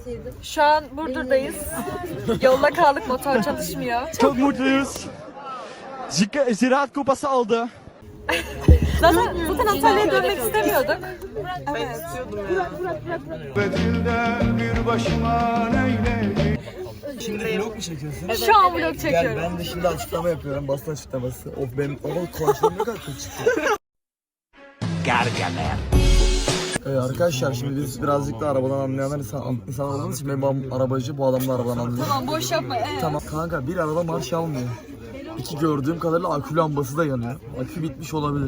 Şu an Burdur'dayız. Yolda kaldık, motor çalışmıyor. Çok mutluyuz. Ziraat Kupası aldı. Zaten Antalya'ya dönmek istemiyorduk. Ben istiyordum ya. Bir başıma neyleyim. Şimdi vlog mu çekiyorsun? Şu an vlog çekiyorum. Ben de şimdi açıklama yapıyorum, basın açıklaması. Of benim konuşmam ne kadar kötü çıkıyor. Arkadaşlar şimdi biz birazcık da arabadan anlayanlar insan olduğumuz için benim babam arabacı, bu adam da arabadan anlıyor. Tamam, boş yapma. Tamam kanka, bir araba marş almıyor. İki, gördüğüm kadarıyla akü lambası da yanıyor. Akü bitmiş olabilir.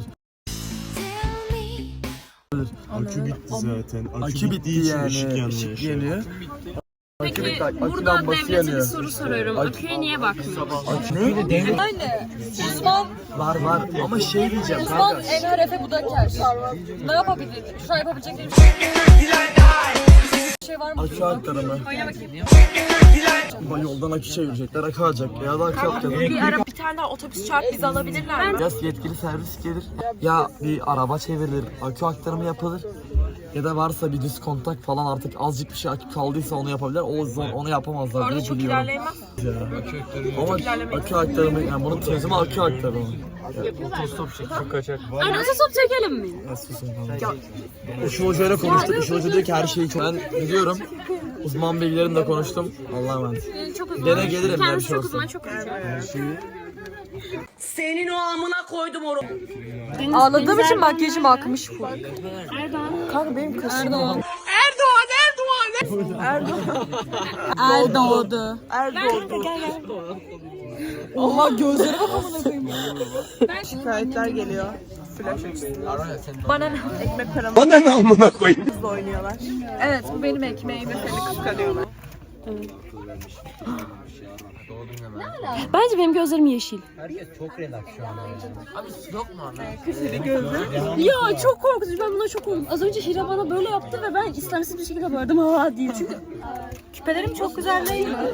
Akü bitti zaten. Akü bitti yani. Işık yanıyor. Peki akü burada lambası devlete bir yanıyor. soru soruyorum. Aküye niye bakmıyor? Ne? Anne, uzman Var ama şey diyeceğim Uzman kanka. Enver Efe Budaker. Ne yapabilir? Şu an yapabilecekleri bir şey var mı? Akü aktarımı. Oyna bakayım. Ama yoldan akü çevirecekler, akü alacak ya da akü yapacak. Bir tane daha otobüs çarp bizi alabilirler mi? Ya yetkili servis gelir, ya bir araba çevrilir, akü aktarımı yapılır. Ya da varsa bir düz kontak falan, artık azıcık bir şey akü kaldıysa onu yapabilirler. Onu yapamazlar Orada diye çok biliyorum. ilerleyemez. Ama akü aktarımı, yani bunun çözümü akü aktarımı. Arada stop çekelim mi? Işıl Hoca'yla konuştuk. Işıl Hoca diyor ki her şeyi çok... Ben biliyorum. Uzman bilgilerimle konuştum. Allah'a emanet. Çok uzman. Gene gelirim ya bir Kendisi şey çok olsa. uzman, çok konuşuyor. Senin o amına koydum onu. Ağladığım için makyajım akmış full. Erdoğan. Kanka benim kaşım Erdoğan. Erdoğdu. Oha gözlerime bakımına koyayım. Şikayetler geliyor. Flash açısından. Bana ne? Ekmek paramı Bana ne amına koyayım? hızla oynuyorlar. Evet, bu benim ekmeğim. Seni kıskanıyorlar. Bence benim gözlerim yeşil. Ya çok korkutucu, ben buna çok korktum. Az önce Hira bana böyle yaptı ve ben istemsiz bir şekilde bağırdım ha diye. Çünkü Küpelerim çok güzel değil mi?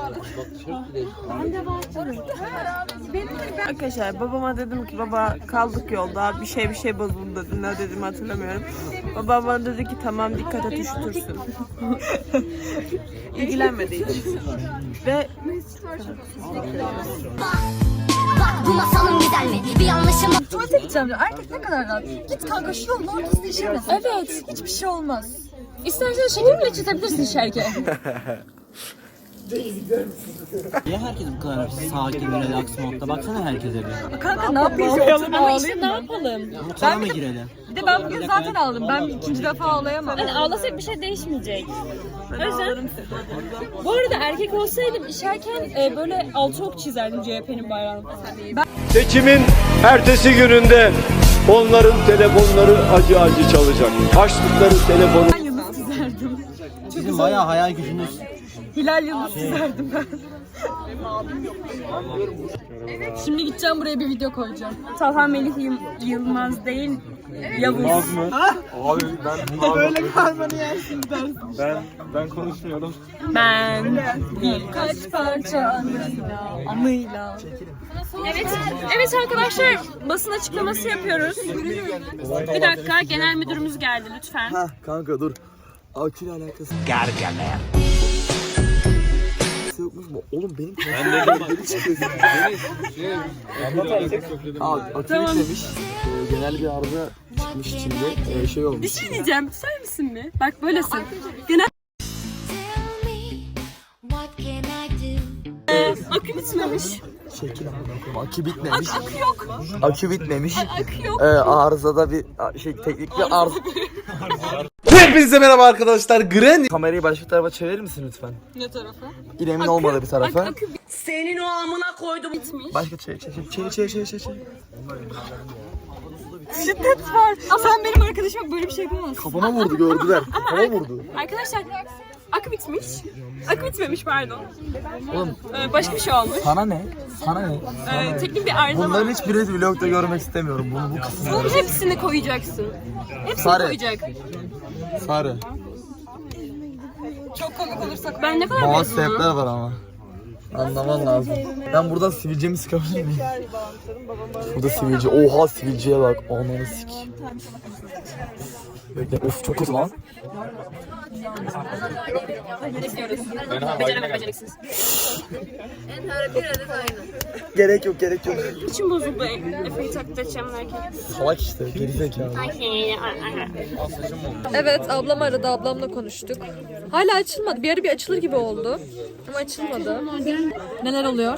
Arkadaşlar babama dedim ki baba kaldık yolda bir şey bozuldu dedim. Ne dedim hatırlamıyorum. Babam bana dedi ki tamam dikkat et üşütürsün. İlgilenmedi hiç. Ve Bak bu masalın güzel mi? Bir yanlışım Tuvalete gideceğim diyor. Erkek ne kadar rahat. Git kanka şu yolun ortasında işemesin. evet, Hiçbir şey olmaz. istersen şeker bile çizebilirsin şerke. Niye herkes bu kadar sakin ve relax modda? Baksana herkese bir. Kanka ne yapayım? Ama işte ne yapalım? Motora mı girelim? Bir de ben bugün zaten ağladım. Ben ikinci defa ağlayamam. Hani ağlasak bir şey değişmeyecek. O yüzden bu arada erkek olsaydım işerken böyle altı ok çizerdim CHP'nin bayrağını falan. Seçimin ertesi gününde onların telefonları acı acı çalacak. Açtıkları telefonu... Sizin bayağı hayal gücünüz. Hilal yıldız çizerdim ben. Şimdi gideceğim buraya bir video koyacağım. Talha Melih Yılmaz değil, Yavuz. Abi ben... böyle karmanı yersin dersin. Ben konuşmuyorum. Ben. Kaç parça anıyla. Evet arkadaşlar, basın açıklaması yapıyoruz. Bir dakika, genel müdürümüz geldi lütfen. Hah kanka dur. Aküyle alakası yokmuş mu? Oğlum benim akü bitmemiş. Genel bir arıza çıkmış içinde. Şey olmuş. Bir şey diyeceğim, söyler misin mi? Bak böylesin. Genel What can I do? akü bitmemiş. Şekil akü bitmemiş. Akü yok. Akü bitmemiş. Akü yok. Arızada bir teknik bir arıza. Hepinize merhaba arkadaşlar. Granny. Kamerayı başka tarafa çevirir misin lütfen? Ne tarafı? İlemin olmadığı bir tarafa. Akü Senin o amına koydum. bitmiş. Başka çevir. Şiddet var. Sen benim arkadaşıma böyle bir şey yapamazsın. Kafama vurdu, gördüler. Kafama vurdu. Arkadaşlar akü bitmiş. Akü bitmemiş pardon. Oğlum Başka bir şey olmuş. sana ne? Sana ne? Teknik bir arıza var. Bunların hiçbirini vlogda görmek istemiyorum. Bu kısmı. Bunun hepsini koyacaksın. Hepsini Sarı. koyacak. Sarı. Çok komik olursak Ben ne kadar Bazı mezunum? sebepler var ama. Anlaman lazım. Ben buradan sivilcemi sıkabilir miyim? Burada sivilce. Oha sivilceye bak. Ananı sik. Bekle. Of çok kötü lan. Beceriksiz. Gerek yok, gerek yok. İçim bozuldu. Efe'yi taklit edeceğim derken. Salak işte, gerizekalı. Evet, ablam aradı, ablamla konuştuk. Hala açılmadı. Bir ara bir açılır gibi oldu. Ama açılmadı. Neler oluyor?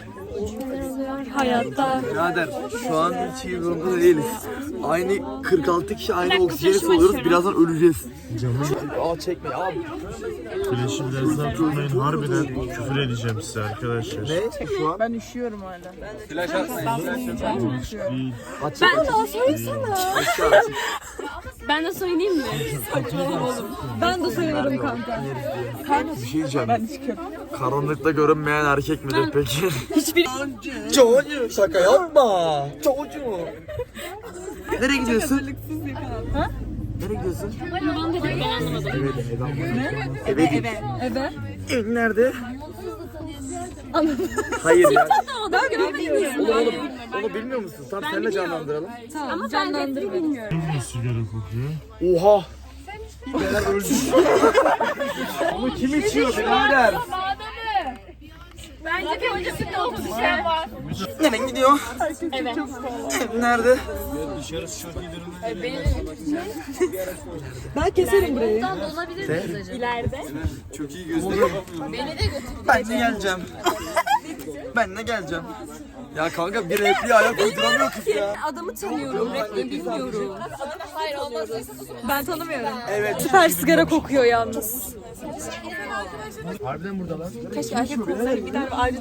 Hayatta. Birader şu an hiç iyi durumda değiliz. Aynı 46 kişi aynı oksijeni soluyoruz. Birazdan öleceğiz. Aa çekme abi. Bileşimlerinizden tutmayın. Harbiden küfür edeceğim size arkadaşlar. Ne? Şu an? Ben üşüyorum hala. Değil. Ben de söyleyeyim mi? Ben de sayılırım kanka. Bir şey diyeceğim. Karanlıkta görünmeyen erkek midir peki? Hiçbir... Çocuğu şaka yapma. Çocuğu. Nereye gidiyorsun? Ha? Nereye gidiyorsun? Ben de ben anlamadım. Eve. Eve. Nerede? Hayır ya. Ben göremiyorum. Onu bilmiyor musun? Tamam seninle canlandıralım. Tamam, canlandırma. Bilmiyorum. Kim sigara kokuyor? Oha. Beyler öldü. Ama kim içiyor birader? Bence bir öncesinde oldu bir şey var. Nereye gidiyor? Evet. Nerede? Ben keserim burayı. İleride. Ben de geleceğim. Ben de geleceğim. Ya kanka bir repliğe ayak uyduramıyor kız ya. Adamı tanıyorum, repliği bilmiyorum. Ben tanımıyorum. Evet. Süper sigara kokuyor yalnız. Harbiden burada lan. Keşke erkek kokları bir daha ayrı...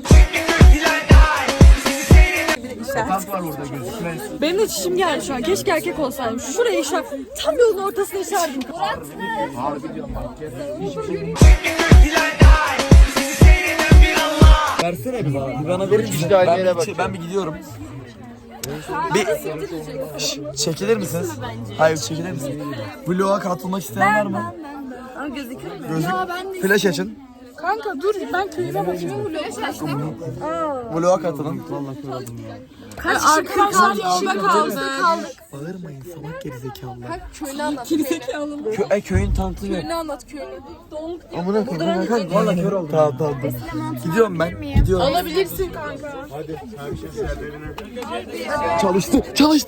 Sokak var orada gözükmez. Benim de çişim geldi şu an. Keşke erkek olsaydım. Şuraya işer. Tam yolun ortasına işerdim. Harbi diyorum bak. Versene bir bana. Bir bana verir misin? Ben bir gidiyorum. Bir çekilir misiniz? Hayır çekilir misiniz? Vlog'a katılmak isteyen var mı? Gözlük. Flash açın. Kanka dur, ben köyüme bakayım. Vlog'a katılın. Arkadaşlar yolda kaldı. Bağırmayın salak gerizekalılar. Köyünü anlat. Köyün tanıtımı yok. Köyünü anlat köyünü. Doğum Amına koyayım kanka. Valla kör oldum. Tamam tamam. Gidiyorum ben. Gidiyorum. alabilirsin kanka. Çalıştı.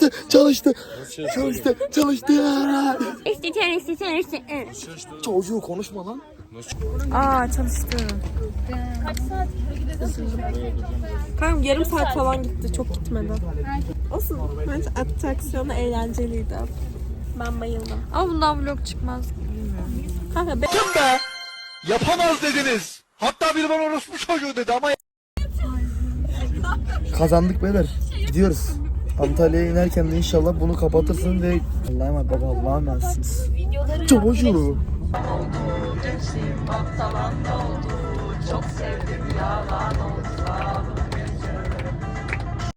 Çocuğu konuşma lan. Aa çalıştı. Kanka yarım saat falan gitti. Çok gitmedi. Olsun. Bence atraksiyonu eğlenceliydi. Ben bayıldım. Ama bundan vlog çıkmaz. Kanka Yapamaz dediniz. Hatta biri bana orospu çocuğu dedi ama Kazandık beyler. Gidiyoruz. Antalya'ya inerken de inşallah bunu kapatırsın ve Allah'a emanet baba Allah'a emanetsiniz. Çocuğu. çok sevdim yalan olsa.